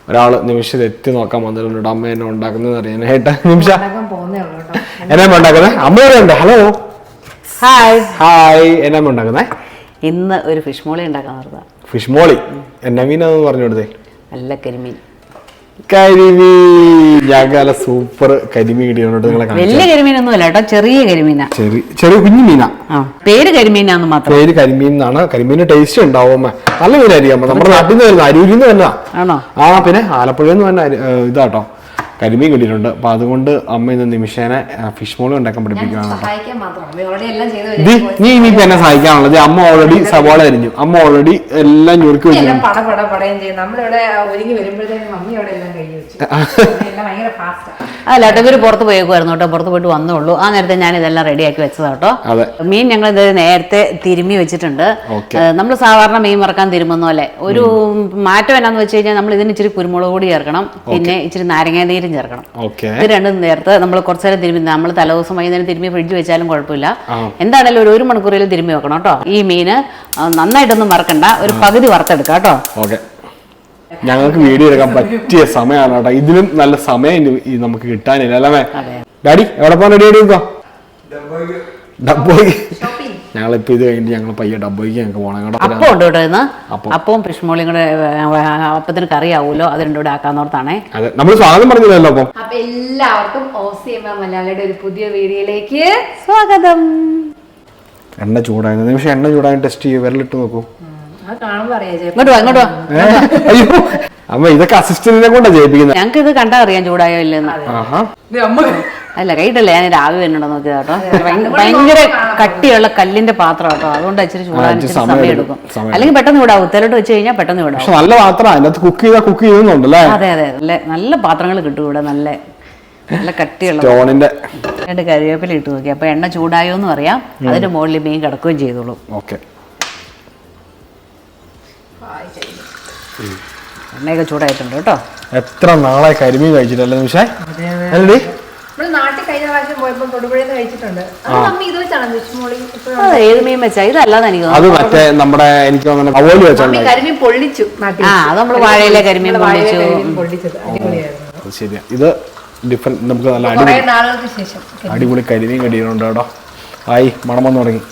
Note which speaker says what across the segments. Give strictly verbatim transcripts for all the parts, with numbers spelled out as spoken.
Speaker 1: ഒരാള് നിമിഷം എത്തി നോക്കാൻ വന്നിട്ടുണ്ട് അമ്മ എന്നെ ഉണ്ടാക്കുന്നത് അറിയാനായിട്ട്. നിമിഷ എന്നാ ഉണ്ടാക്കുന്നത്? അമ്മയോടെ ഉണ്ട്. Hello
Speaker 2: hi
Speaker 1: hi. എന്നാ ഉണ്ടാക്കുന്നേ?
Speaker 2: ഇന്ന് ഒരു ഫിഷ് മോളി ഉണ്ടാക്കാൻ പറഞ്ഞ.
Speaker 1: ഫിഷ് മോളി എന്നാ മീനാന്ന് പറഞ്ഞു കൊടുത്തേ?
Speaker 2: നല്ല കരിമീൻ.
Speaker 1: കരിമീൻ. ഞങ്ങളെ സൂപ്പർ കരിമീൻ കിട്ടിയോണ്ട് നിങ്ങളെ
Speaker 2: വലിയ കരിമീനൊന്നും അല്ല കേട്ടോ, ചെറിയ കരിമീനാ.
Speaker 1: ചെറിയ ചെറിയ കുഞ്ഞു മീനാ.
Speaker 2: പേര് കരിമീനാന്ന് മാത്രം.
Speaker 1: പേര് കരിമീൻ എന്നാണ്. കരിമീന് ടേസ്റ്റ് ഉണ്ടാവും. നല്ല മീനായിരിക്കും. നമ്മുടെ നാട്ടിൽ നിന്ന് വരുന്ന അരൂരിൽ നിന്ന് തന്നെ
Speaker 2: ആണോ?
Speaker 1: ആ പിന്നെ ആലപ്പുഴയിൽ നിന്ന് തന്നെ ഇതാട്ടോ കരിമീൻ കിട്ടിയിട്ടുണ്ട്. അപ്പൊ അതുകൊണ്ട് അമ്മ ഇന്ന് നിമിഷേനെ ഫിഷ് മോളി ഉണ്ടാക്കാൻ പഠിപ്പിക്കുകയാണ്. നീ ഇനിയിപ്പോ എന്നെ സഹായിക്കാനുള്ളത് അമ്മ ഓൾറെഡി സവാള അരിഞ്ഞു. അമ്മ ഓൾറെഡി എല്ലാം ഞുറുക്കി വെച്ചു.
Speaker 2: അല്ല കേട്ടോ, ഇവര് പുറത്ത് പോയേക്കുമായിരുന്നു കേട്ടോ. പുറത്ത് പോയിട്ട് വന്നോളൂ. ആ നേരത്തെ ഞാൻ ഇതെല്ലാം റെഡിയാക്കി വെച്ചതാ കേട്ടോ. മീൻ ഞങ്ങൾ ഇത് നേരത്തെ തിരുമ്മി വെച്ചിട്ടുണ്ട്. നമ്മൾ സാധാരണ മീൻ വറക്കാൻ തിരുമുന്ന പോലെ ഒരു മാറ്റം എന്നാന്ന് വെച്ച് കഴിഞ്ഞാൽ നമ്മൾ ഇതിന് ഇച്ചിരി കുരുമുളക് പൊടി ചേർക്കണം, പിന്നെ ഇച്ചിരി നാരങ്ങ നീരും ചേർക്കണം. ഇത് രണ്ടും നേരത്തെ നമ്മൾ കുറച്ചു നേരം തിരുമ്മി, നമ്മൾ തലേദിവസം വൈകുന്നേരം തിരുമ്മി ഫ്രിഡ്ജ് വെച്ചാലും കുഴപ്പമില്ല. എന്താണേലും ഒരു ഒരു മണിക്കൂറിൽ തിരുമ്മി വെക്കണം കേട്ടോ. ഈ മീന് നന്നായിട്ടൊന്നും വറക്കണ്ട, ഒരു പകുതി വറുത്തെടുക്കാം കേട്ടോ.
Speaker 1: ഞങ്ങൾക്ക് വീഡിയോ എടുക്കാൻ പറ്റിയ സമയമാണ് കേട്ടോ. ഇതിലും നല്ല സമയം നമുക്ക് കിട്ടാനില്ല അല്ലേ ഡാഡി? എവിടെ പോകാൻ റെഡി ആയിട്ട് ഡബ്ബോയ്ക്ക്. ഞങ്ങളിപ്പോ ഇത് കഴിഞ്ഞിട്ട് ഞങ്ങൾ പയ്യെ ഡബ്ബോയ്ക്ക് ഞങ്ങൾക്ക് പോകണം കേട്ടോ.
Speaker 2: അപ്പം ഉണ്ട് കേട്ടോ ഇന്ന്. അപ്പവും ഫിഷ് മോളിയും കൂടെ അപ്പത്തിന് കറി ആവുമല്ലോ, അത് രണ്ടും കൂടെ ആക്കാന്നോർത്താണ്.
Speaker 1: അതെ, നമ്മൾ സ്വാഗതം പറഞ്ഞില്ലല്ലോ. അപ്പം
Speaker 3: അപ്പൊ എല്ലാവർക്കും ഓസിയമ്മ മലയാളിയുടെ ഒരു പുതിയ വീഡിയോയിലേക്ക്
Speaker 2: സ്വാഗതം.
Speaker 1: എണ്ണ ചൂടായിരുന്നു. നിമിഷം എണ്ണ ചൂടായി ടെസ്റ്റ് ചെയ്യും. വിരലിട്ട് നോക്കൂ. അയ്യോ അമ്മ, ഇതൊക്കെ അസിസ്റ്റന്റിനെ കൊണ്ടാ ചെയ്യിപ്പിക്കുന്നത്.
Speaker 2: ഞങ്ങൾക്ക് ഇത് കണ്ടാ അറിയാം ചൂടായോ ഇല്ലെന്ന്. അല്ല കൈയിട്ടല്ലേ, ഞാൻ രാവിലെ വരുന്നുണ്ടോ നോക്കിയത് കേട്ടോ. ഭയങ്കര കട്ടിയുള്ള കല്ലിന്റെ പാത്രം കേട്ടോ, അതുകൊണ്ട് ഇച്ചിരി ചൂടാൻ സമയം എടുക്കും. അല്ലെങ്കിൽ പെട്ടെന്ന് വിടാവും. ഉത്തരോട്ട് വെച്ച് കഴിഞ്ഞാൽ പെട്ടെന്ന് വിടാം.
Speaker 1: നല്ല പാത്രം, അതിനകത്ത് കുക്ക് ചെയ്താൽ കുക്ക് ചെയ്യുന്നുണ്ടല്ലേ.
Speaker 2: അതെ അതെ, നല്ല നല്ല പാത്രങ്ങൾ കിട്ടും ഇവിടെ. നല്ല നല്ല കട്ടിയുള്ള രണ്ട് കരിവേപ്പില ഇട്ട് നോക്കി. അപ്പൊ എണ്ണ ചൂടായോ എന്ന് അറിയാം. അതിന്റെ മുകളിൽ മീൻ കിടക്കുകയും ചെയ്തോളൂ.
Speaker 1: ഓക്കെ,
Speaker 2: എണ്ണയൊക്കെ ചൂടായിട്ടുണ്ട് കേട്ടോ.
Speaker 1: എത്ര നാളെ കരിമീൻ കഴിച്ചിട്ടല്ലേ നിമിഷേ?
Speaker 2: ഏത് മീൻ വെച്ചാ? ഇതല്ലാതെ എനിക്ക്
Speaker 1: അത് മറ്റേ നമ്മുടെ എനിക്ക് അവോലി വെച്ചാൽ
Speaker 3: കരിമീൻ പൊള്ളിച്ചു.
Speaker 2: ആ, അത് നമ്മള് വാഴയിലെ കരിമീൻ പൊള്ളിച്ചു.
Speaker 1: ശരിയാ, ഇത് ഡിഫറെന്റ്. നമുക്ക് നല്ല അടിപൊളി അടിപൊളി കരിമീൻ കടിയുന്നുണ്ട് കേട്ടോ. ആയി മണം വന്നു തുടങ്ങി.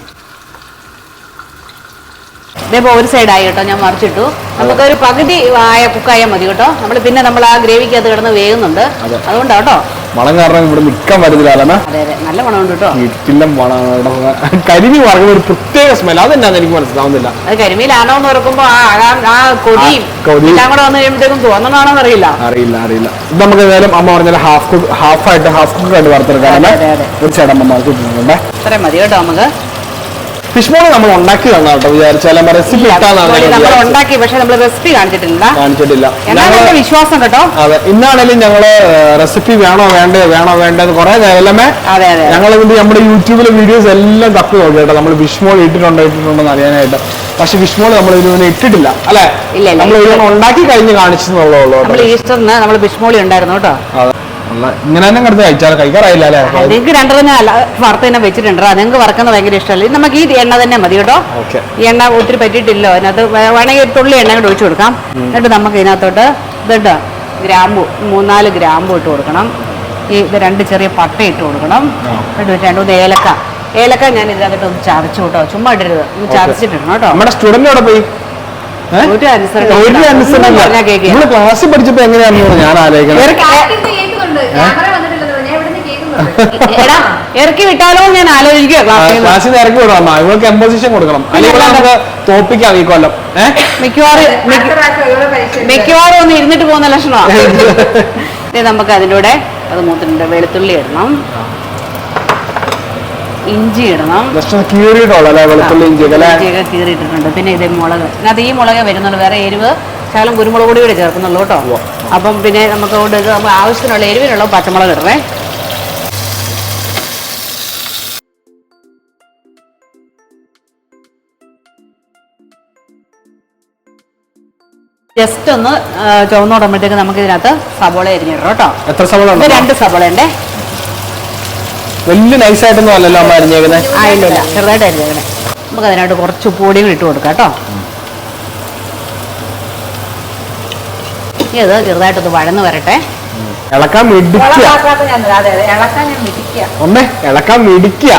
Speaker 2: ഇതേപ്പോ ഒരു സൈഡായി കേട്ടോ, ഞാൻ മറിച്ചിട്ടു. നമുക്കൊരു പകുതി ആയ കുക്കായാൽ മതി കേട്ടോ. നമ്മൾ പിന്നെ നമ്മൾ ആ ഗ്രേവിക്ക് അത് കിടന്ന് വേകുന്നുണ്ട്, അതുകൊണ്ടാ കേട്ടോ.
Speaker 1: മണം കാരണം ഇവിടെ നിൽക്കാൻ പറ്റത്തില്ല.
Speaker 2: അതെ അതെ, നല്ല മണമുണ്ട് കേട്ടോ.
Speaker 1: വീട്ടിലെ മണമാണ്. കരിമീൻ വറക്കുമ്പോൾ ഒരു പ്രത്യേക സ്മെൽ, അതെന്നാന്ന് എനിക്ക് മനസ്സിലാവുന്നില്ല.
Speaker 2: അത് കരിമീലാണോ എന്ന് ഓർക്കുമ്പോ ആ കൊതിയും എല്ലാം കൂടെ വന്നു കഴിയുമ്പോഴത്തേക്കും തോന്നണോ അറിയില്ല
Speaker 1: അറിയില്ല അറിയില്ല ഇത് നമുക്ക് ഏതായാലും അമ്മ പറഞ്ഞാൽ ഹാഫ് കുക്ക് ഹാഫ് ആയിട്ട് ഹാഫ് കുക്ക് ആയിട്ട് വറുത്തെടുക്കാം. ഒരു സൈഡ് അമ്മ മറിച്ചിട്ടുണ്ട്.
Speaker 2: ഇത്രയും മതി കേട്ടോ. നമുക്ക്
Speaker 1: ഫിഷ് മോളി നമ്മൾ ഉണ്ടാക്കി തന്നാ കേട്ടോ. വിചാരിച്ചാൽ റെസിപ്പി
Speaker 2: നമ്മൾ ഉണ്ടാക്കി, പക്ഷെ നമ്മൾ റെസിപ്പി കാണിച്ചിട്ടില്ല
Speaker 1: കാണിച്ചിട്ടില്ല
Speaker 2: എന്നാണ് വിശ്വാസം കേട്ടോ.
Speaker 1: അതെ, ഇന്നാണെങ്കിലും ഞങ്ങള് റെസിപ്പി വേണോ വേണ്ടേ വേണോ വേണ്ടത് കുറെ നേരമേ ഞങ്ങൾ ഇതിന്റെ നമ്മുടെ യൂട്യൂബിലെ വീഡിയോസ് എല്ലാം തപ്പി നോക്കി കേട്ടോ. നമ്മൾ ഫിഷ് മോളി ഇട്ടിട്ടുണ്ടോ ഇട്ടിട്ടുണ്ടോ അറിയാനായിട്ട്. പക്ഷെ ഫിഷ് മോളി നമ്മൾ ഇതിനെ ഇട്ടിട്ടില്ല അല്ലെ. നമ്മൾ ഇതിനെ ഉണ്ടാക്കി കഴിഞ്ഞ് കാണിച്ചെന്നുള്ളൂ.
Speaker 2: ഈസ്റ്ററിന് നമ്മൾ ഫിഷ് മോളി ഉണ്ടായിരുന്നു കേട്ടോ.
Speaker 1: ഇങ്ങനെ തന്നെ കിടന്ന് കഴിച്ചാൽ കഴിക്കാറായില്ല അല്ലേ?
Speaker 2: നിങ്ങൾക്ക് രണ്ടെണ്ണം ഞാൻ വറുത്ത് തന്നെ വെച്ചിട്ടുണ്ട്. നിങ്ങൾക്ക് വറക്കുന്നത് ഭയങ്കര ഇഷ്ടമല്ല. നമുക്ക് ഈ എണ്ണ തന്നെ മതി കേട്ടോ. ഈ എണ്ണ ഒത്തിരി പറ്റിയിട്ടില്ലോ. അതിനകത്ത് വേണമെങ്കിൽ ഒരു തുള്ളി എണ്ണ കൂടെ ഒഴിച്ചു കൊടുക്കാം. എന്നിട്ട് നമുക്ക് ഇതിനകത്തോട്ട് ഇതുണ്ട് ഗ്രാമ്പു, മൂന്നാല് ഗ്രാമ്പു ഇട്ട് കൊടുക്കണം. ഈ ഇത് രണ്ട് ചെറിയ പട്ട ഇട്ട് കൊടുക്കണം. എന്നിട്ട് രണ്ട് മൂന്ന് ഏലക്ക ഏലക്ക ഞാൻ ഇതിനകത്തോട്ട് ഒന്ന് ചതച്ചു കേട്ടോ. ചുമ്മാ ഇടരുത്, ഒന്ന് ചതച്ചിട്ടിടണം കേട്ടോ.
Speaker 1: നമ്മുടെ സ്റ്റുഡന്റ് അവിടെ പോയി ക്ലാസ്സിൽ പഠിച്ചപ്പോ എങ്ങനെയാണെന്ന് ഞാൻ ആലോചിക്കണം.
Speaker 2: ഇറക്കി വിട്ടാലോ ഞാൻ ആലോചിക്കുക.
Speaker 1: ക്ലാസ്സിൽ നിന്ന് ഇറക്കി വിടാം. ഇവർക്ക് എംപോസിഷൻ കൊടുക്കണം, അല്ലെങ്കിൽ നമുക്ക് തോപ്പിക്കാം ഈ കൊല്ലം.
Speaker 2: മിക്കവാറും മിക്കവാറും ഒന്ന് ഇരുന്നിട്ട് പോകുന്ന ലക്ഷണമാണ്. നമുക്ക് അതിലൂടെ അത് മൂത്തിട്ടുണ്ട്. വെളുത്തുള്ളി ഇടണം, ഇഞ്ചി ഇടണം. ഇഞ്ചിയൊക്കെ കീറിയിട്ടിട്ടുണ്ട്. പിന്നെ ഇത് മുളക്, അതിനകത്ത് ഈ മുളക് വരുന്നുള്ളൂ, വേറെ എരിവ് ശകലം കുരുമുളക് പൊടി കൂടെ ചേർക്കുന്നുള്ളൂ കേട്ടോ. അപ്പം പിന്നെ നമുക്ക് ആവശ്യത്തിനുള്ള എരിവിനുള്ള പച്ചമുളക് ഇടണേ. ജസ്റ്റ് ഒന്ന് ചുവന്നോടുമ്പോഴത്തേക്ക് നമുക്ക് ഇതിനകത്ത് സബോള അരിഞ്ഞിടണം കേട്ടോ.
Speaker 1: എത്ര സബോള?
Speaker 2: രണ്ട് സബോള ഉണ്ടേ.
Speaker 1: വലിയ നൈസായിട്ടൊന്നും അല്ലല്ലോ അമ്മ അരിഞ്ഞേക്കുന്നത്.
Speaker 2: ആ ഇല്ല ഇല്ല, ചെറുതായിട്ട് അരിഞ്ഞേക്കണേ. നമുക്ക് അതിനായിട്ട് കുറച്ച് പൊടികൾ ഇട്ട് കൊടുക്കാം കേട്ടോ. ഇനി അത് ചെറുതായിട്ടൊന്ന് വഴന്ന് വരട്ടെ.
Speaker 1: ഇളക്കാൻ മിടിക്കുക ഒന്നേ ഇളക്കാൻ മിടിക്കുക.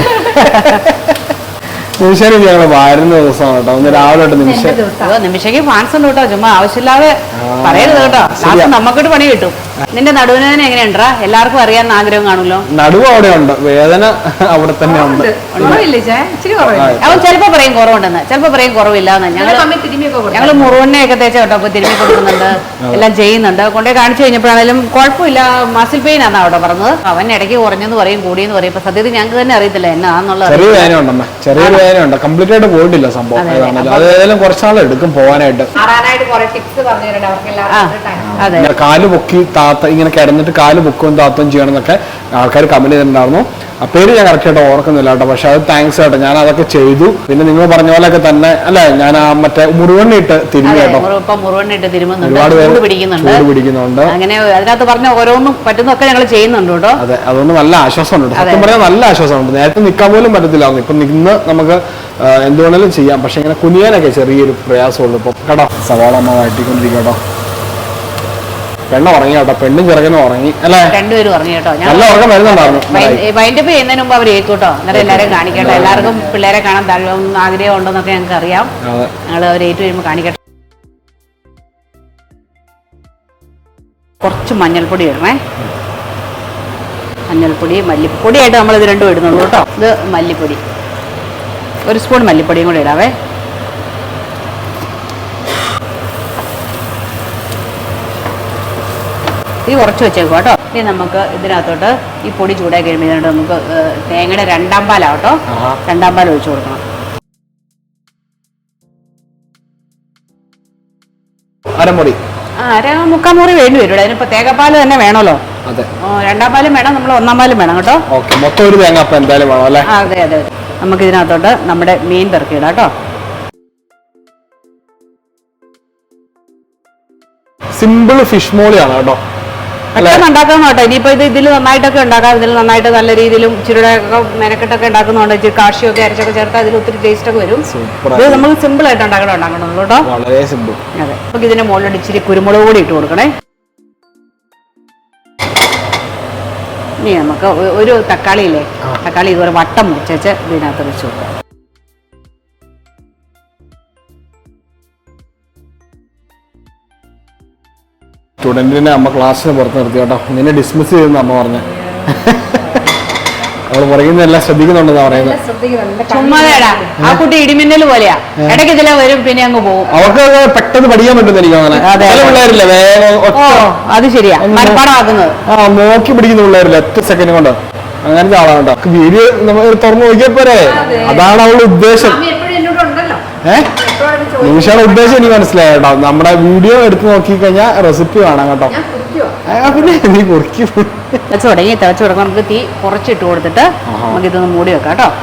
Speaker 1: നിമിഷം ഞങ്ങൾ വാരുന്ന ദിവസമാണ് കേട്ടോ. ഒന്ന് രാവിലെ തൊട്ട് നിമിഷം
Speaker 2: നിമിഷയ്ക്ക് ഫാൻസ് ഉണ്ട് കേട്ടോ. ചുമ്മാ ആവശ്യമില്ലാതെ പറയരുത് കേട്ടോ. ലാസ്റ്റ് നമുക്കിട്ട് പണി കിട്ടും. നിന്റെ നടുവേദന എങ്ങനെയുണ്ടാ? എല്ലാവർക്കും അറിയാൻ ആഗ്രഹം കാണുമല്ലോ.
Speaker 1: നടുവ് അവിടെ ഉണ്ട്, വേദന അവിടെ തന്നെ ഉണ്ട്.
Speaker 2: അവൻ ചിലപ്പോ പറയും കുറവുണ്ടെന്ന്, ചിലപ്പോ പറയും കുറവില്ലാന്ന്. ഞങ്ങൾ ഞങ്ങള് മുറുവണ്ണയൊക്കെ തേച്ച കേട്ടോ അപ്പൊ തിരുമ്മി കൊടുക്കുന്നുണ്ട്, എല്ലാം ചെയ്യുന്നുണ്ട്. കൊണ്ടേ കാണിച്ചു കഴിഞ്ഞപ്പോഴാണെങ്കിലും കുഴപ്പമില്ല, മസിൽ പെയിൻ ആണെന്നാ അവിടെ പറഞ്ഞത്. അവൻ ഇടയ്ക്ക് കുറഞ്ഞെന്ന് പറയും കൂടിയെന്ന് പറയും. ഇപ്പൊ സത്യത്തിൽ ഞങ്ങൾക്ക് തന്നെ അറിയത്തില്ല എന്നാന്നുള്ളത്.
Speaker 1: ചെറിയ വേദന ഉണ്ടമ്മ, ചെറിയൊരു വേദന ഉണ്ട്. കംപ്ലീറ്റ് ആയിട്ട് പോയിട്ടില്ല സംഭവം. അത് ഏതായാലും കുറച്ചാൾ എടുക്കും പോവാനായിട്ട്. കാല് പൊക്കി താത്ത ഇങ്ങനെ കിടന്നിട്ട് കാല് പൊക്കുകയും താത്തയും ചെയ്യണം എന്നൊക്കെ ആൾക്കാർ കമന്റ് ചെയ്തിട്ടുണ്ടായിരുന്നു. ആ പേര് ഞാൻ കറക്റ്റ് ആയിട്ട് ഓർക്കുന്നില്ല കേട്ടോ. പക്ഷെ അത് താങ്ക്സ് കേട്ടോ, ഞാൻ അതൊക്കെ ചെയ്തു. പിന്നെ നിങ്ങൾ പറഞ്ഞ പോലെയൊക്കെ തന്നെ അല്ലെ, ഞാൻ ആ മറ്റേ മുറുവണ്ണിട്ട് തിരിഞ്ഞു കേട്ടോ. ഒരുപാട് പേര് ചൂട് പിടിക്കുന്നുണ്ട്.
Speaker 2: അങ്ങനെ അതിനകത്ത് പറഞ്ഞ ഓരോന്നും പറ്റുന്നൊക്കെ ഞങ്ങൾ ചെയ്യുന്നുണ്ട് കേട്ടോ.
Speaker 1: അതെ, അതുകൊണ്ട് നല്ല ആശ്വാസമുണ്ട്. സത്യം പറയാൻ നല്ല ആശ്വാസമുണ്ട്. നേരത്തെ നിൽക്കാൻ പോലും പറ്റത്തില്ലായിരുന്നു. ഇപ്പൊ നിന്ന് നമുക്ക് എന്തുവേണേലും ചെയ്യാം. പക്ഷെ ഇങ്ങനെ കുനിയാനൊക്കെ ചെറിയൊരു പ്രയാസമുള്ളൂ ഇപ്പൊ കേട്ടോ. സവാള അമ്മ വാട്ടിക്കൊണ്ടിരിക്കും കേട്ടോ. പെണ്ണ ഉറങ്ങി കേട്ടോ, പെണ്ണും ചെറുക്കനും ഉറങ്ങി അല്ലെ,
Speaker 2: രണ്ടുപേരും ഉറങ്ങി കേട്ടോ.
Speaker 1: നല്ല ഉറക്കം വരുന്നുണ്ടായിരുന്നു.
Speaker 2: വൈൻഡപ്പ് ചെയ്യുന്നതിന് മുമ്പ് അവർ കേൾക്കൂട്ടോ, അന്നേരം എല്ലാവരും കാണിക്കട്ടെ. എല്ലാവർക്കും പിള്ളേരെ കാണാൻ താല്പര്യം ആഗ്രഹം ഉണ്ടെന്നൊക്കെ ഞങ്ങൾക്ക് അറിയാം. ഞങ്ങൾ അവർ ഏറ്റു വരുമ്പോൾ കാണിക്കട്ടെ. കുറച്ച് മഞ്ഞൾപ്പൊടി ഇടണേ. മഞ്ഞൾപ്പൊടി മല്ലിപ്പൊടിയായിട്ട് നമ്മൾ ഇത് രണ്ടും ഇടുന്നുള്ളൂ കേട്ടോ. ഇത് മല്ലിപ്പൊടി, ഒരു സ്പൂൺ മല്ലിപ്പൊടിയും കൂടി ഇടാവേ. ഇത് കുറച്ച് വെച്ചേക്കും കേട്ടോ. ഇനി നമുക്ക് ഇതിനകത്തോട്ട് ഈ പൊടി ചൂടാക്കി കഴിയുമ്പോൾ നമുക്ക് തേങ്ങയുടെ രണ്ടാം പാലാവട്ടോ, രണ്ടാം പാൽ ഒഴിച്ചു കൊടുക്കണം.
Speaker 1: അരമുറി
Speaker 2: ആ അര മുക്കാൽ മുറി വേണ്ടി വരും. അതിനിപ്പോ തേങ്ങാപ്പാൽ തന്നെ വേണമല്ലോ. രണ്ടാം പാലും വേണം, നമ്മൾ ഒന്നാം പാലും വേണം കേട്ടോ.
Speaker 1: മൊത്തം ഒരു തേങ്ങാപ്പാൽ എന്തായാലും വേണം അല്ലേ?
Speaker 2: അതെ അതെ. നമുക്ക് ഇതിനകത്തോട്ട് നമ്മുടെ മീൻ പെറുക്കിയിടാം കേട്ടോ.
Speaker 1: സിമ്പിൾ ഫിഷ് മോളിയാണ് കേട്ടോ.
Speaker 2: പെട്ടെന്ന് ഉണ്ടാക്കാന്ന് കേട്ടോ. ഇനിയിപ്പോ ഇത് ഇതിൽ നന്നായിട്ടൊക്കെ ഉണ്ടാക്കാം. ഇതിൽ നന്നായിട്ട് നല്ല രീതിയിലും ചിരുടൊക്കെ മെനക്കെട്ടൊക്കെ ഉണ്ടാക്കുന്നുണ്ട്. ഇച്ചിരി കാഷിയൊക്കെ അരച്ചൊക്കെ ചേർത്താൽ ഇതിൽ ഒത്തിരി ടേസ്റ്റ് ഒക്കെ വരും. ഇത് നമുക്ക് സിമ്പിൾ ആയിട്ട് ഉണ്ടാക്കണം ഉണ്ടാക്കണമെന്നുള്ളൂ കേട്ടോ.
Speaker 1: വളരെ സിമ്പിൾ.
Speaker 2: അതെ, നമുക്ക് ഇതിന്റെ മുകളിൽ ഇച്ചിരി കുരുമുളക് കൂടി ഇട്ട് കൊടുക്കണേ. ഇനി നമുക്ക് ഒരു തക്കാളി ഇല്ലേ, തക്കാളി ഇതുപോലെ വട്ടം മുറിച്ച് ഇതിനകത്ത് വെച്ച് കൊടുക്കാം.
Speaker 1: സ്റ്റുഡന്റിനെ അമ്മ ക്ലാസ്സിന് പുറത്ത് നിർത്തി കേട്ടോ. നിന്നെ ഡിസ്മിസ് ചെയ്തെന്ന് അമ്മ പറഞ്ഞ. അവള് പറയുന്നതെല്ലാം ശ്രദ്ധിക്കുന്നുണ്ടെന്നാ പറയുന്നത്.
Speaker 2: ചുമ്മാതേടാ, ആ കുട്ടി ഇടിമിന്നൽ പോലെയാ. ഇടയ്ക്ക് ഇതിലെ വരും, പിന്നെ അങ്ങ് പോകും.
Speaker 1: അവർക്ക് പെട്ടെന്ന് പഠിക്കാൻ പറ്റുന്ന എനിക്ക് അങ്ങനെ. പിള്ളേരില്ല വേഗം,
Speaker 2: അത് ശരിയാ, മനപ്പാടമാക്കുന്നത്.
Speaker 1: ആ നോക്കി പിടിക്കുന്ന പിള്ളേരില്ല ഒറ്റ സെക്കൻഡ് കൊണ്ട്. അങ്ങനത്തെ ആളാണ് കേട്ടോ. വീഡിയോ നമ്മൾ തുറന്നു നോക്കിയാൽ പോരെ, അതാണ് അവളുടെ ഉദ്ദേശം. ഏഹ് നിമിഷയുടെ ഉദ്ദേശം എനിക്ക് മനസ്സിലായി കേട്ടോ. നമ്മുടെ വീഡിയോ എടുത്ത് നോക്കി കഴിഞ്ഞാൽ റെസിപ്പി കാണാം കേട്ടോ. പിന്നെ നീ കുറിക്കും
Speaker 2: തിളച്ച് തുടങ്ങി. തിളച്ച് തുടങ്ങാൻ നമുക്ക് തീ കുറച്ചിട്ട് കൊടുത്തിട്ട് നമുക്ക് ഇതൊന്ന് മൂടി വെക്കാം കേട്ടോ.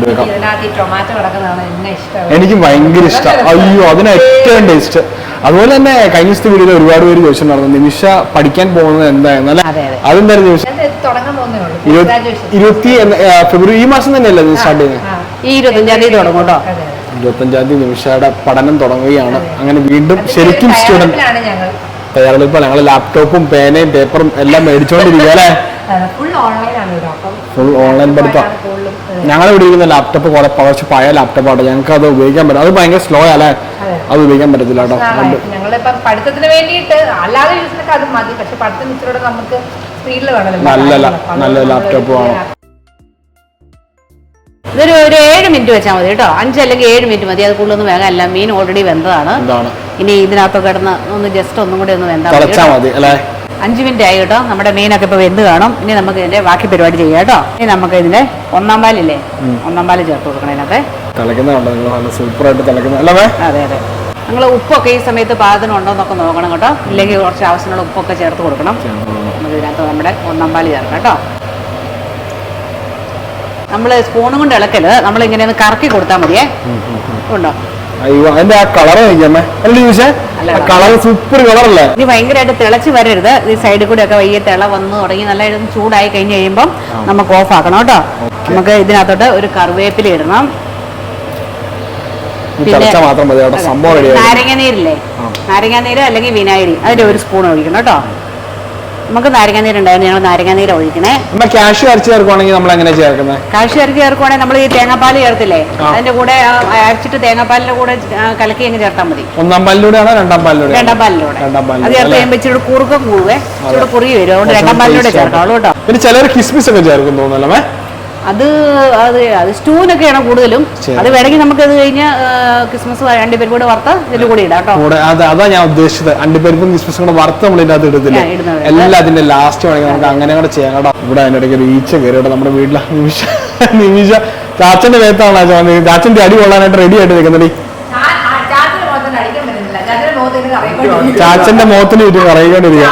Speaker 1: എനിക്ക് ഭയങ്കര ഇഷ്ടം. അയ്യോ, അതിന് ഏറ്റവും ടേസ്റ്റ്. അതുപോലെ തന്നെ കഴിഞ്ഞ ദിവസത്തെ വീഡിയോയിൽ ഒരുപാട് പേര് ചോദിച്ചിട്ടുണ്ടായിരുന്നു നിമിഷ പഠിക്കാൻ പോകുന്നത് എന്തായിരുന്നു അല്ലെ. അതെന്തായാലും നിമിഷ ഇരുപത്തി ഫെബ്രുവരി ഈ മാസം തന്നെയല്ലേ സ്റ്റാർട്ട് ചെയ്യുന്നത്?
Speaker 2: ഈ ഇരുപത്തഞ്ചാം തീയതി തുടങ്ങും കേട്ടോ.
Speaker 1: ഇരുപത്തഞ്ചാം തീയതി നിമിഷയുടെ പഠനം തുടങ്ങുകയാണ്. അങ്ങനെ വീണ്ടും ശരിക്കും സ്റ്റുഡന്റ് തയ്യാറെടുപ്പ്. ഞങ്ങൾ ലാപ്ടോപ്പും പേനയും പേപ്പറും എല്ലാം മേടിച്ചോണ്ടിരിക്കുക അല്ലേ. ഫുൾ ഓൺലൈൻ പഠിത്തം. ഞങ്ങൾ ഇവിടെ ഇരിക്കുന്ന ലാപ്ടോപ്പ് കുറെ കുറച്ച് പഴയ ലാപ്ടോപ്പാണ്. ഞങ്ങൾക്ക് അത് ഉപയോഗിക്കാൻ പറ്റും. അത് ഭയങ്കര സ്ലോ അല്ലേ, അത് ഉപയോഗിക്കാൻ പറ്റത്തില്ല കേട്ടോ.
Speaker 3: പഠിത്തത്തിന് വേണ്ടിയിട്ട് അല്ലാതെ യൂസിനൊക്കെ അത് മതി. പക്ഷെ പഠിത്തം ഇച്ചിരി നമുക്ക് സ്പീഡിൽ വേണം.
Speaker 1: നല്ല നല്ല ലാപ്ടോപ്പ് വേണം.
Speaker 2: ഇതൊരു ഒരു ഏഴ് മിനിറ്റ് വെച്ചാൽ മതി കേട്ടോ. അഞ്ച് അല്ലെങ്കിൽ ഏഴ് മിനിറ്റ് മതി. അത് കൂടുതലൊന്നും വേഗം അല്ല. മീൻ ഓൾറെഡി വെന്തതാണ്. ഇനി ഇതിനകത്തൊക്കെ കിടന്ന് ഒന്ന് ജസ്റ്റ് ഒന്നും കൂടി ഒന്ന് വെന്താൽ മതി. അഞ്ച് മിനിറ്റ് ആയി കേട്ടോ. നമ്മുടെ മീനൊക്കെ ഇപ്പൊ വെന്ത് കാണും. ഇനി നമുക്ക് ഇതിന്റെ ബാക്കി പരിപാടി ചെയ്യാം കേട്ടോ. ഇനി നമുക്ക് ഇതിന്റെ ഒന്നാം പാലില്ലേ, ഒന്നാം പാല് ചേർത്ത് കൊടുക്കണം ഇതിനകത്ത്. അതെ അതെ. നിങ്ങൾ ഉപ്പൊക്കെ ഈ സമയത്ത് പാകത്തിന് ഉണ്ടോ എന്നൊക്കെ നോക്കണം കേട്ടോ. ഇല്ലെങ്കിൽ കുറച്ച് ആവശ്യമുള്ള ഉപ്പൊക്കെ ചേർത്ത് കൊടുക്കണം. നമുക്ക് ഇതിനകത്ത് നമ്മുടെ ഒന്നാം പാല് ചേർക്കാം കേട്ടോ. നമ്മൾ സ്പൂണും കൊണ്ട് ഇളക്കല്, നമ്മൾ ഇങ്ങനെ ഒന്ന് കറക്കി കൊടുത്താൽ മതിയേ. ഉണ്ടോ?
Speaker 1: അയ്യോ, അതിന്റെ ആ കളർ സൂപ്പർ കളറല്ലേ.
Speaker 2: ഇനി ഭയങ്കരമായിട്ട് തിളച്ച് വരരുത്. ഈ സൈഡിൽ കൂടെ ഒക്കെ വയ്യ തിള വന്ന് തുടങ്ങി നല്ല ചൂടായി കഴിഞ്ഞ് കഴിയുമ്പോൾ നമുക്ക് ഓഫ് ആക്കണം കേട്ടോ. നമുക്ക് ഇതിനകത്തോട്ട് ഒരു കറിവേപ്പില ഇടണം.
Speaker 1: തിളച്ചാൽ മാത്രം മതി കേട്ടോ, സംഭവം റെഡി.
Speaker 2: നാരങ്ങ നീരില്ലേ, നാരങ്ങ നീര് അല്ലെങ്കിൽ വിനാഗിരി അതിന്റെ ഒരു സ്പൂൺ ഒഴിക്കണം കേട്ടോ. നമുക്ക് നാരങ്ങ നീരുണ്ടായിരുന്നു, ഞങ്ങൾ നാരങ്ങ നീര് ഒഴിക്കണേ.
Speaker 1: നമ്മൾ കാഷ്യൂ അരച്ച് ചേർക്കുവാണെങ്കിൽ നമ്മൾ എങ്ങനെ ചേർക്കുന്നത്?
Speaker 2: കാഷ്യൂ അരച്ച് ചേർക്കുവാണെങ്കിൽ നമ്മൾ ഈ തേങ്ങാപ്പാൽ ചേർത്തില്ലേ, അതിന്റെ കൂടെ അരച്ചിട്ട് തേങ്ങാപ്പാലിന്റെ കൂടെ കലക്കി അങ്ങ് ചേർത്താൽ മതി.
Speaker 1: ഒന്നാം പാലിലൂടെയാണോ രണ്ടാം പാലിലൂടെ?
Speaker 2: രണ്ടാം പാലിലൂടെ.
Speaker 1: രണ്ടാം പാലിലൂടെ
Speaker 2: അത് ചേർത്ത് കഴിയുമ്പോൾ ഇച്ചിരി കുറുക്കം കൂടുവേ, ഇച്ചിരി കുറുകി വരും. അതുകൊണ്ട് രണ്ടാം പാലിലൂടെ ചേർക്കാവുള്ളൂ കേട്ടോ.
Speaker 1: പിന്നെ ചിലർ കിസ്മിസ് ഒക്കെ ചേർക്കും തോന്നുന്നല്ലേ?
Speaker 2: അത് അത് അത് സ്റ്റൂവിനൊക്കെയാണ് കൂടുതലും. അത് വേണമെങ്കിൽ നമുക്ക് അത് കഴിഞ്ഞ് ക്രിസ്മസ് അണ്ടിപ്പരിപ്പ് കൂടെ വറുത്ത് ഇതിൽ കൂടി ഇടാം കേട്ടോ.
Speaker 1: അതാ ഞാൻ ഉദ്ദേശിച്ചത്, അണ്ടിപ്പരിപ്പും ക്രിസ്മസും കൂടെ വറുത്ത് നമ്മൾ ഇതിന്റെ അകത്ത് ഇടത്തില്ല, എല്ലാം അതിന്റെ ലാസ്റ്റ് വേണമെങ്കിൽ നമുക്ക് അങ്ങനെ കൂടെ ചെയ്യാം കേട്ടോ. ഇവിടെ അതിന്റെ ഇടയ്ക്ക് ഒരു ഈച്ച കയറിയിട്ട് നമ്മുടെ വീട്ടിലെ നിമിഷ നിമിഷ ചാച്ചന്റെ മേത്താണ് ചാച്ചന്റെ അടി കൊള്ളാനായിട്ട് റെഡി ആയിട്ട് നിൽക്കുന്നടി. ചാച്ചന്റെ മുഖത്തിന് ചുറ്റും കറയിക്കൊണ്ടിരിക്കുക.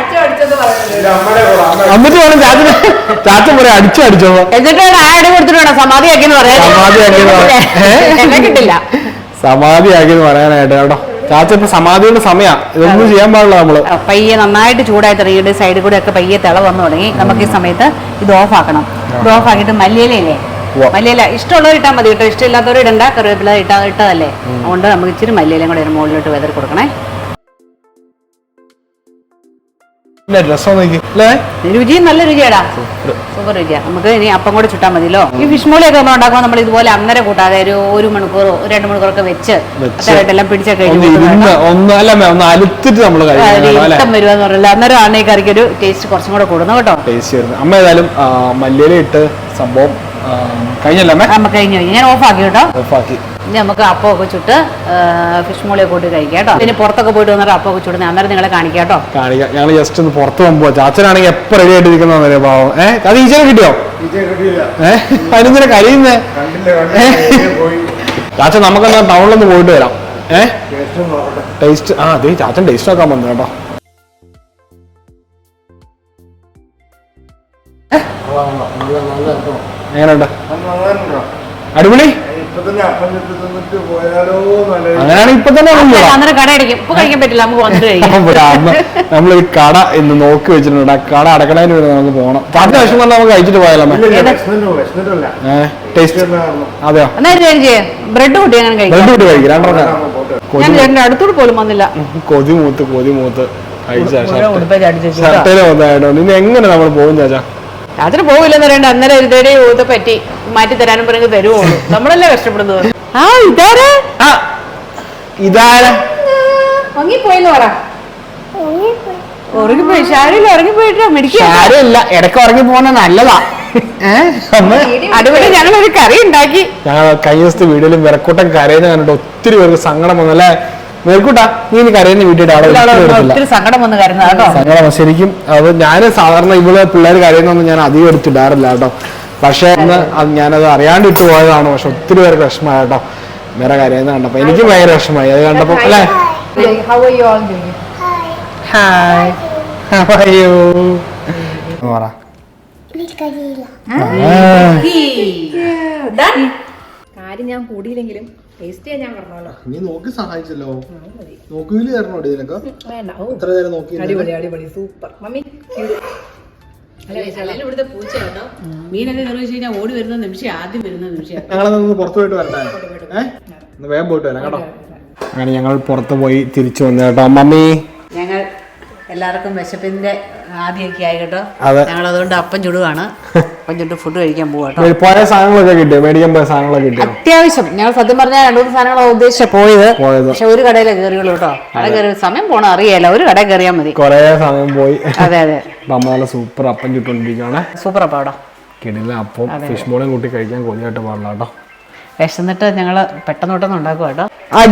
Speaker 1: എന്നിട്ട് വേണം ചാച്ചന് ചാച്ചൻ പറയാം അടിച്ചു അടിച്ചോ,
Speaker 2: എന്നിട്ടാണ് ആ അടി കൊടുത്തിട്ട് വേണം സമാധിയാക്കിയെന്ന് പറയാൻ.
Speaker 1: സമാധിയാക്കി
Speaker 2: കിട്ടില്ല,
Speaker 1: സമാധിയാക്കിയെന്ന് പറയാനായിട്ട് കേട്ടോ. ചാച്ച ഇപ്പൊ സമാധിയുടെ സമയം, ഇതൊന്നും ചെയ്യാൻ പാടില്ല നമ്മള്.
Speaker 2: പയ്യെ നന്നായിട്ട് ചൂടായി തുടങ്ങിയിട്ട് സൈഡിൽ കൂടെ ഒക്കെ പയ്യെ തിള വന്നു തുടങ്ങി. നമുക്ക് ഈ സമയത്ത് ഇത് ഓഫ് ആക്കണം. ഇത് ഓഫ് ആക്കിയിട്ട് മല്ലിയിലയില്ലേ, മല്ലിയില ഇഷ്ടമുള്ളവർ ഇട്ടാൽ മതി കേട്ടോ, ഇഷ്ടമില്ലാത്തവർ ഇടണ്ട. കറിവേപ്പില ഇട്ടാ ഇട്ടതല്ലേ, അതുകൊണ്ട് നമുക്ക് ഇച്ചിരി മല്ലിയിലയും കൂടെ മുകളിലോട്ട് വെതറി കൊടുക്കണേ. രുചിയും നല്ല രുചിയാടാ, സൂപ്പർ രുചിയാ. നമുക്ക് ഇനി അപ്പം കൂടെ ചുട്ടാൽ മതിയല്ലോ. ഈ ഫിഷ് മോളിയൊക്കെ നമ്മൾ ഉണ്ടാക്കുമ്പോൾ നമ്മൾ ഇതുപോലെ അന്നേരം കൂട്ടാതെ ഒരു ഒരു മണിക്കൂറോ രണ്ട് മണിക്കൂറൊക്കെ വെച്ച് എല്ലാം പിടിച്ചൊക്കെ
Speaker 1: ഇഷ്ടം
Speaker 2: വരുവാന്ന് പറയില്ല. അന്നേരം ആണ് ഈ കറിക്ക് ഒരു ടേസ്റ്റ് കുറച്ചും കൂടെ കൂടുന്നു കേട്ടോ.
Speaker 1: അമ്മ ഏതായാലും മല്ലിയില ഇട്ട് സംഭവം കഴിഞ്ഞല്ലേ?
Speaker 2: നമുക്ക് കഴിഞ്ഞു കഴിഞ്ഞു, ഞാൻ ഓഫ് ആക്കി കേട്ടോ.
Speaker 1: ഓഫാക്കി
Speaker 2: ഇനി നമുക്ക് അപ്പമൊക്കെ ചുട്ട് ഫിഷ് മോളിയൊക്കെ കൂട്ടി കഴിക്കാം കേട്ടോ. പിന്നെ പുറത്തൊക്കെ പോയിട്ട് വന്നിട്ട് അപ്പമൊക്കെ ചുടുന്നത് അന്നേരം നിങ്ങളെ കാണിക്കാം കേട്ടോ.
Speaker 1: കാണിക്കാം. ഞങ്ങൾ ജസ്റ്റ് ഒന്ന് പുറത്ത് പോകുമ്പോ ചാച്ചനാണെങ്കിൽ എപ്പോ റെഡി ആയിട്ടിരിക്കുന്ന പാവം. ഏഹ് അത് ഈച്ചനെ കിട്ടിയോ? ഏഹ് അതിനെ കഴിയുന്നേ ചാച്ച. നമുക്കെന്നാ ടൗണിലൊന്ന് പോയിട്ട് വരാം. ഏഹ് ടേസ്റ്റ് ആ അതെ ചാച്ചൻ ടേസ്റ്റ് ആക്കാൻ വന്നു കേട്ടോ. എങ്ങനെയുണ്ട്? അടിപൊളി. അങ്ങനെയാണെങ്കിൽ ഇപ്പൊ തന്നെ നമ്മൾ ഈ കട ഇന്ന് നോക്കി വെച്ചിട്ടുണ്ട്. ആ കട അടക്കണതിന് വേണ്ടി നമുക്ക് പോകണം. പത്ത് ലക്ഷം തന്നെ നമുക്ക് കഴിച്ചിട്ട് പോയാലോ? അതെയോ?
Speaker 2: ബ്രെഡ് കൂട്ടി
Speaker 1: ബ്രെഡ് കൂട്ടി കഴിക്കും. രണ്ടെണ്ണം
Speaker 2: അടുത്തോട് പോലും വന്നില്ല.
Speaker 1: കൊതി മൂത്ത് കൊതി മൂത്ത് ഷർട്ടേലെ വന്നായിട്ടോ. ഇനി എങ്ങനെ നമ്മൾ പോകും ചാച്ചാ?
Speaker 2: രാത്രി പോവില്ലെന്ന് പറയണ്ട, അന്നേരം ഇരുതേടെ ഊത്ത പറ്റി മാറ്റി തരാനും പറഞ്ഞ് തരുവുള്ളൂ. നമ്മളല്ലേ കഷ്ടപ്പെടുന്നത്. ആ ഇതാരാ
Speaker 1: ഇതാരാ
Speaker 2: ഉറങ്ങിപ്പോയിന്ന് പറ. ഉറങ്ങിപ്പോയി ഷാരില്ല, ഉറങ്ങിപ്പോയിട്ടോ.
Speaker 1: മെഡിക്കല്ല, ഇടയ്ക്ക് ഉറങ്ങി പോകുന്ന നല്ലതാ.
Speaker 2: അതുപോലെ ഞങ്ങൾ ഒരു കറി ഉണ്ടാക്കി.
Speaker 1: ഞങ്ങൾ കഴിഞ്ഞ ദിവസത്തെ വീഡിയോയിലും വിറക്കൂട്ടം കരയുന്ന കണ്ടിട്ട് ഒത്തിരി പേർക്ക് സങ്കടം വന്നല്ലേ? മേൽക്കൂട്ടാ നീ ഇനി കരയുന്ന വീട്ടിൽ
Speaker 2: ഒത്തിരി സങ്കടം വന്ന് കരുന്നത് കേട്ടോ.
Speaker 1: സങ്കടം ശരിക്കും. അത് ഞാൻ സാധാരണ ഇവിടെ പിള്ളേർ കരയുന്നൊന്നും ഞാൻ അധികം എടുത്തിടാറില്ല കേട്ടോ. പക്ഷെ അന്ന് ഞാനത് അറിയാണ്ട് ഇട്ട് പോയതാണ്. പക്ഷെ ഒത്തിരി പേർക്ക് വിഷമമായി കേട്ടോ വേറെ കരയുന്ന കണ്ടപ്പോ. എനിക്കും ഭയങ്കര വിഷമമായി അത് കണ്ടപ്പോ. അല്ലേ?
Speaker 3: കാര്യം ഞാൻ കൂടിയില്ലെങ്കിലും ടേസ്റ്റ് ചെയ്യാൻ ഞാൻ പറഞ്ഞല്ലോ.
Speaker 1: നീ നോക്കി സഹായിച്ചല്ലോ. നോക്കിയില്ല തരണോ നിനക്ക്? എത്ര നേരം നോക്കി?
Speaker 3: അടിപൊളി അടിപൊളി സൂപ്പർ മമ്മി.
Speaker 2: ഇവിടുത്തെ പൂച്ച കേട്ടോ. മീനൊക്കെ കറി വെച്ച് കഴിഞ്ഞാൽ ഓടി വരുന്ന നിമിഷം ആദ്യം വരുന്ന നിമിഷം.
Speaker 1: ഞങ്ങളൊന്ന് പുറത്തു പോയിട്ട് വരട്ടെ? ഏഹ് വേഗം പോയിട്ട് വരാം കേട്ടോ. അങ്ങനെ ഞങ്ങൾ പുറത്ത് പോയി തിരിച്ചു വന്നു കേട്ടോ. മമ്മി
Speaker 2: ഞങ്ങൾ എല്ലാവർക്കും വിശപ്പിന്റെ ആദ്യമൊക്കെ ആയി കേട്ടോ. ഞങ്ങൾ അതുകൊണ്ട് അപ്പം ചുടുവാണ്. അപ്പം ചുട്ട് ഫുഡ് കഴിക്കാൻ പോവാട്ടോ.
Speaker 1: പോയ സാധനങ്ങളൊക്കെ കിട്ടിയോ? മേടിക്കാൻ പോയ സാധനങ്ങളൊക്കെ കിട്ടിയോ?
Speaker 2: അത്യാവശ്യം ഞങ്ങൾ സത്യം പറഞ്ഞാൽ രണ്ടു മൂന്ന് സാധനങ്ങളാണ് ഉദ്ദേശിച്ച പോയത്. പക്ഷെ ഒരു കടയിലെ കയറിയുള്ളൂ കേട്ടോ. കട കയറി സമയം പോണ അറിയാലോ. ഒരു കടയിൽ കയറിയാൽ മതി.
Speaker 1: കൊറേ സമയം പോയി.
Speaker 2: അതെ അതെ.
Speaker 1: അമ്മ നല്ല സൂപ്പർ അപ്പം ചുട്ടോണ്ടിരിക്കുകയാണ്.
Speaker 2: സൂപ്പർ അപ്പം അവിടെ
Speaker 1: കിടില അപ്പം. ഫിഷ് മോളും കൂട്ടി കഴിക്കാൻ കൊതിയായിട്ട് പാടില്ല കേട്ടോ.
Speaker 2: വിശന്നിട്ട് ഞങ്ങള് പെട്ടെന്ന് പെട്ടെന്ന് ഉണ്ടാക്കും കേട്ടോ.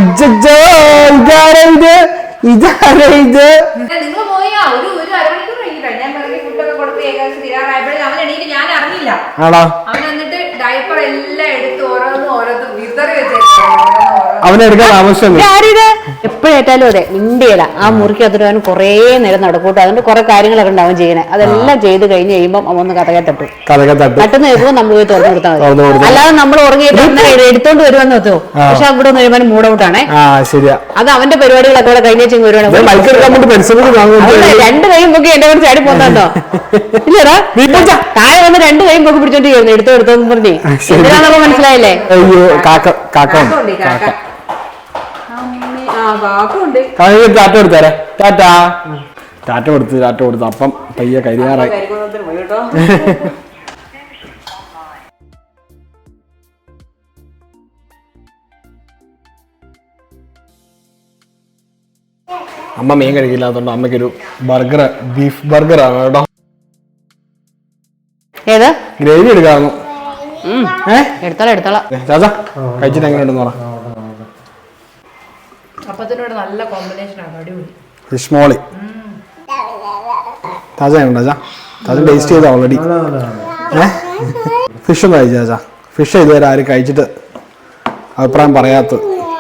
Speaker 3: നിങ്ങൾ പോയാ ഒരു ഒരു അരമണിക്കൂർ കഴിഞ്ഞിട്ടാണ് ഞാൻ വെറുതെ ഫുഡൊക്കെ കൊടുത്ത് ഏകദേശം തീരാറായപ്പോഴും അവൻ എണീറ്റ് ഞാൻ അറിഞ്ഞില്ല. അവൻ എന്നിട്ട് ഡയപ്പർ എല്ലാം എടുത്ത് ഓരോന്നും ഓരോന്നും വിതറി വെച്ചേക്കും.
Speaker 1: അവനെടുക്കാൻ ആവശ്യം
Speaker 2: എപ്പോഴേറ്റാലും അതെ മിണ്ടിയില്ല. ആ മുറിക്ക് അതിന് കുറേ നേരം നടക്കൂട്ടോ. അതുകൊണ്ട് കുറെ കാര്യങ്ങളൊക്കെ ഉണ്ടാവും ചെയ്യണേ. അതെല്ലാം ചെയ്ത് കഴിഞ്ഞ് കഴിയുമ്പോൾ അവൻ ഒന്ന് കഥകെ തട്ടും. തട്ടുന്ന കഴിയുമ്പോൾ നമ്മൾ പോയി തുറന്നു കൊടുത്താൽ മതി. അല്ലാതെ നമ്മൾ ഉറങ്ങിയിട്ട് എടുത്തോണ്ട് വരുമെന്ന് വെച്ചോ. പക്ഷെ അവിടെ ഒന്ന് കഴിയുമ്പോൾ മൂഡ് ഔട്ടാണേ. അത് അവന്റെ പരിപാടികളൊക്കെ കൂടെ കഴിഞ്ഞ വരുവാണ്. രണ്ട് കൈയും പൊക്കി എന്റെ കൂടെ ചാടി പോന്നോ ഇല്ലടാ. താഴെ വന്ന് രണ്ട് കൈയും പൊക്കി പിടിച്ചോണ്ടിരിക്കുന്നു. എടുത്തോ എടുത്തോന്ന് പറഞ്ഞേ. എന്തിനാണെന്നൊക്കെ മനസ്സിലായില്ലേ?
Speaker 1: ടാറ്റ കൊടുത്തേരെ ടാറ്റ ടാറ്റ കൊടുത്ത് ടാറ്റ കൊടുത്ത് അപ്പം പയ്യെ കരിയാറായി. അമ്മ മീൻ കഴിക്കില്ലാത്തോണ്ട് അമ്മയ്ക്കൊരു ബർഗർ ബീഫ് ബർഗർ ആണ് കേട്ടോ.
Speaker 2: ഏത്
Speaker 1: ഗ്രേവി എടുക്കാറുന്നു.
Speaker 2: എടുത്തോളാം എടുത്തോളാം.
Speaker 1: ചാച്ചാ കഴിച്ചിട്ട് എങ്ങനെയുണ്ടെന്ന് പറ.
Speaker 3: അപ്പത്തിനോട് നല്ല കോമ്പിനേഷൻ ആണ്, അടിപൊളി.
Speaker 1: ഫിഷ് മോളി ചാച്ച ഉണ്ടോ ചാ? ചാച്ച ടേസ്റ്റ് ചെയ്ത ഓൾറെഡി. ഏഹ് ഫിഷ് ഒന്ന് കഴിച്ചു ചാച്ചാ. ഫിഷ് ഇതുവരെ ആരും കഴിച്ചിട്ട് അഭിപ്രായം പറയാത്തത്.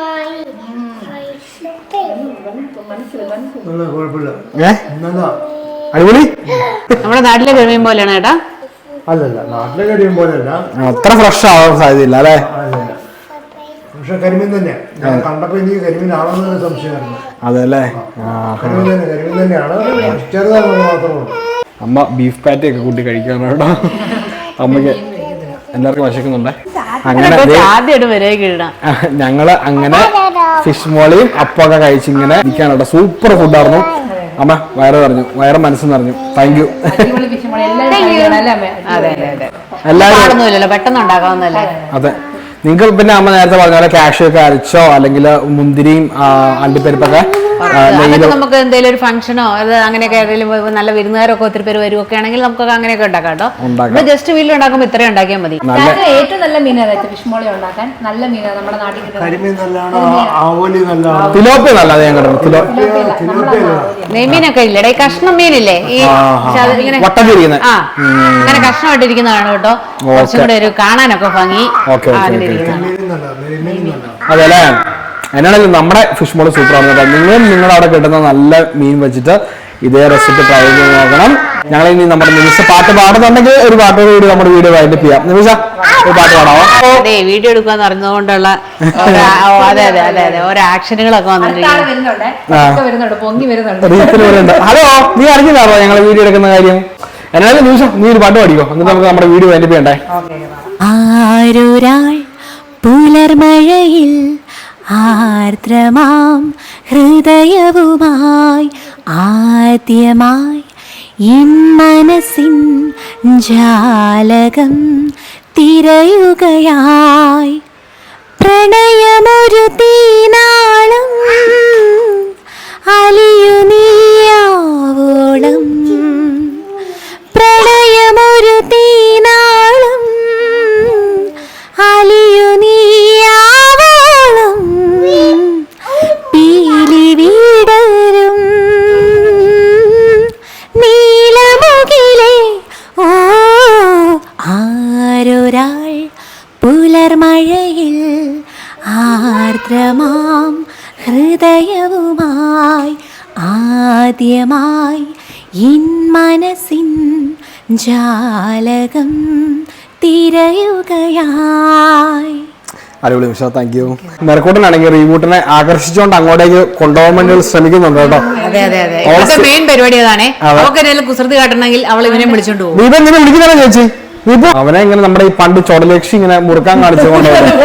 Speaker 1: ഏഹ് അടിപൊളി.
Speaker 2: നമ്മുടെ നാട്ടിലെ കരിമീൻ പോലെയാണ് ചേട്ടാ?
Speaker 4: അല്ലല്ല, നാട്ടിലെ കരിമീൻ പോലെയല്ല.
Speaker 1: അത്ര ഫ്രഷ് ആവാൻ സാധ്യതയില്ല അല്ലേ?
Speaker 4: പക്ഷെ കരിമീൻ തന്നെ. ഞാൻ കണ്ടപ്പോ എനിക്ക് കരിമീൻ ആണെന്നൊരു സംശയമായിരുന്നു.
Speaker 1: അതെല്ലേ?
Speaker 4: കരിമീൻ തന്നെ, കരിമീൻ തന്നെയാണ്. ചെറുതാണെന്ന് മാത്രമേ ഉള്ളൂ.
Speaker 1: അമ്മ ബീഫ് പാറ്റി ഒക്കെ കൂട്ടി കഴിക്കാണ് കേട്ടോ. അമ്മക്ക് എല്ലാവർക്കും വിശക്കുന്നുണ്ടേ. അങ്ങനെ ഞങ്ങള് അങ്ങനെ ഫിഷ് മോളിയും അപ്പൊക്കെ കഴിച്ചിങ്ങനെ ഇരിക്കാണ് കേട്ടോ. സൂപ്പർ ഫുഡായിരുന്നു. അമ്മ വയറ് പറഞ്ഞു, വയറ് മനസ്സ് നിറഞ്ഞു. Thank you.
Speaker 2: എല്ലാവരും പെട്ടെന്ന് ഉണ്ടാക്കാവുന്നല്ലേ?
Speaker 1: അതെ. നിങ്ങൾ പിന്നെ അമ്മ നേരത്തെ പറഞ്ഞ പോലെ ക്യാഷ് ഒക്കെ അരച്ചോ അല്ലെങ്കിൽ മുന്തിരിയും അണ്ടിപ്പരിപ്പൊക്കെ
Speaker 2: നമുക്ക് എന്തെങ്കിലും ഒരു ഫംഗ്ഷനോ അത് അങ്ങനെയൊക്കെ നല്ല വിരുന്നുകാരൊക്കെ ഒത്തിരി പേര് വരുമൊക്കെ ആണെങ്കിൽ നമുക്കൊക്കെ അങ്ങനെയൊക്കെ ഉണ്ടാക്കാം കേട്ടോ. ജസ്റ്റ് വീട്ടിൽ ഉണ്ടാക്കുമ്പോൾ ഇത്രയും ഉണ്ടാക്കിയാൽ മതി.
Speaker 3: ഏറ്റവും നല്ല മീനാണ് ഫിഷ് മോളി ഉണ്ടാക്കാൻ. നല്ല മീനാണ് നമ്മുടെ നാട്ടിൽ
Speaker 1: തിലോപ്പി നല്ല ഞാൻ കേട്ടോ.
Speaker 2: നെയ്മീനൊക്കെ ഇല്ലേ? കഷ്ണം മീനില്ലേ? ഈ ഇങ്ങനെ ആ അങ്ങനെ കഷ്ണമായിട്ടിരിക്കുന്നതാണ് കേട്ടോ. കുറച്ചും കൂടെ ഒരു കാണാനൊക്കെ ഭംഗി.
Speaker 1: അതെല്ലേ? എന്നാണെങ്കിലും നമ്മുടെ ഫിഷ് മോള് സൂപ്പർ ആണ് കേട്ടോ. നിങ്ങളും നിങ്ങളുടെ അവിടെ കിട്ടുന്ന നല്ല മീൻ വെച്ചിട്ട് ഇതേ റെസിപ്പി ട്രൈ ചെയ്ത് നോക്കണം. ഞങ്ങൾ ഇനി നമ്മുടെ നിമിഷ പാട്ട് പാടുന്നുണ്ടെങ്കിൽ ഒരു പാട്ടോട് കൂടി നമ്മുടെ വീഡിയോ വൈൻഡപ്പ് ചെയ്യാം. നിമിഷ ഒരു പാട്ട് പാടാമോ?
Speaker 2: അതെ, വീഡിയോ എടുക്കാന്ന് അറിഞ്ഞതുകൊണ്ടുള്ള അതെ അതെ അതെ അതെ ഓരോ ആക്ഷനുകളൊക്കെ വന്നിട്ടുണ്ട്.
Speaker 1: ഹലോ, നീ അറിഞ്ഞില്ലാറോ ഞങ്ങൾ വീഡിയോ എടുക്കുന്ന കാര്യം? എന്നാലും നിമിഷം നീ ഒരു പാട്ട് പാടിക്കോ, എന്നിട്ട് നമുക്ക് നമ്മുടെ വീഡിയോ വൈൻഡപ്പ് ചെയ്യണ്ടേ.
Speaker 5: ആരൊരാൾ പുലർമഴയിൽ ആർദ്രമാം ഹൃദയവുമായി ആദ്യമായി എൻ മനസ്സിൻ ജാലകം തിരയുകയായി. പ്രണയമൊരു തീനാളം അലിയു നീയാവോളം. പ്രണയമൊരു തീനാളം അലിയു നീയാവോളം. പീലി വീടരും നീലമുകിലേ ഓ ആരൊരാൾ പുലർമഴയിൽ ആർദ്രമാം ഹൃദയവുമായി ആദ്യമായി എൻ മനസ്സിൻ ജാലകം തിരയുകയായി.
Speaker 1: അടിപൊളി നിമിഷ, താങ്ക് യു. മെറക്കൂട്ടനാണെങ്കിൽ റീബൂട്ടിനെ ആകർഷിച്ചുകൊണ്ട് അങ്ങോട്ടേക്ക് കൊണ്ടുപോകാൻ വേണ്ടി ശ്രമിക്കുന്നുണ്ട് കേട്ടോ.
Speaker 2: അതെ അതെ അതെ, മെയിൻ പരിപാടി അതാണ്. അവർക്ക് കുസൃതി കാട്ടണമെങ്കിൽ അവൾ ഇവനെ വിളിച്ചോണ്ട് പോകും.
Speaker 1: ദീപ ഇങ്ങനെ വിളിക്കുന്നതാ ചേച്ചി? ദീപു അവനെ ഇങ്ങനെ നമ്മുടെ ഈ പണ്ട് ചുടലക്ഷി ഇങ്ങനെ മുറുക്കാൻ കാണിച്ചുകൊണ്ട്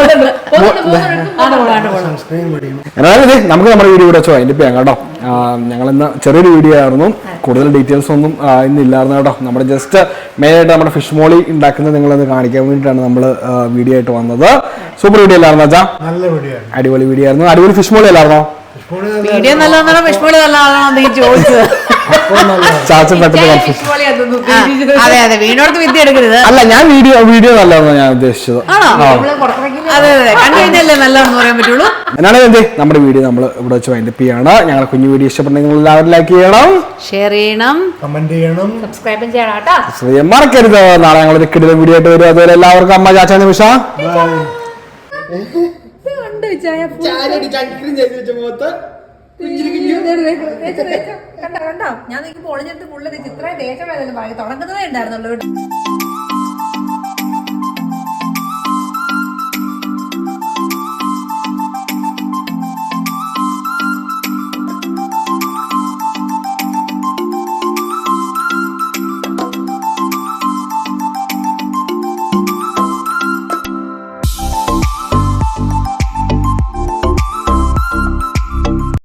Speaker 1: എന്നാലും നമുക്ക് നമ്മുടെ വീഡിയോ ഇവിടെ വെച്ചോ അതിന്റെ ചെയ്യാം കേട്ടോ. ഞങ്ങൾ ഇന്ന് ചെറിയൊരു വീഡിയോ ആയിരുന്നു, കൂടുതൽ ഡീറ്റെയിൽസ് ഒന്നും ഇന്ന് ഇല്ലായിരുന്നു കേട്ടോ. നമ്മുടെ ജസ്റ്റ് മെയിൻ ആയിട്ട് നമ്മുടെ ഫിഷ് മോളി ഉണ്ടാക്കുന്നത് നിങ്ങളൊന്ന് കാണിക്കാൻ വേണ്ടിയിട്ടാണ് നമ്മൾ വീഡിയോ ആയിട്ട് വന്നത്. സൂപ്പർ വീഡിയോ അല്ലായിരുന്നു അച്ഛാ? അടിപൊളി വീഡിയോ ആയിരുന്നു. അടിപൊളി ഫിഷ് മോളി അല്ലായിരുന്നോ?
Speaker 2: വീഡിയോ നല്ലതാണോ ഫിഷ് മോളി നല്ലതാണോ ചോദിച്ചത്?
Speaker 1: ചാച്ചൻ പെട്ടെന്ന്
Speaker 2: അതെ അതെ, വീണോടത്ത് വിദ്യ എടുക്കരുത്.
Speaker 1: അല്ല, ഞാൻ വീഡിയോ വീഡിയോ നല്ലതെന്ന് ഞാൻ ഉദ്ദേശിച്ചത്.
Speaker 2: അതെ അതെ, കണ്ടു കഴിഞ്ഞല്ലേ നല്ലതെന്ന് പറയാൻ പറ്റുള്ളൂ.
Speaker 1: എന്നാണ് എന്ത് നമ്മുടെ വീഡിയോ നമ്മൾ ഇവിടെ വെച്ച് വൈൻഡപ്പ് ചെയ്യാണ്. ഞങ്ങളുടെ കുഞ്ഞു വീഡിയോ ഇഷ്ടപ്പെട്ടെങ്കിൽ നിങ്ങൾ എല്ലാവരും ലൈക്ക് ചെയ്യണം,
Speaker 2: ഷെയർ ചെയ്യണം,
Speaker 4: കമന്റ് ചെയ്യണം,
Speaker 3: സബ്സ്ക്രൈബ് ചെയ്യണം കേട്ടോ.
Speaker 1: മറക്കരുത്. നാളെ ഞങ്ങൾ ഒരു കിടിലൻ വീഡിയോ ആയിട്ട് വരും. അതുവരെ എല്ലാവർക്കും അമ്മ ചാച്ച നിമിഷ
Speaker 3: കണ്ടോ കണ്ടോ, ഞാൻ നിൽക്കുമ്പോൾ ഒളിഞ്ഞെടുത്ത് പുള്ളി ഇത്രയും ദേശം തുടങ്ങുന്നതേ ഉണ്ടായിരുന്നുള്ളൂ.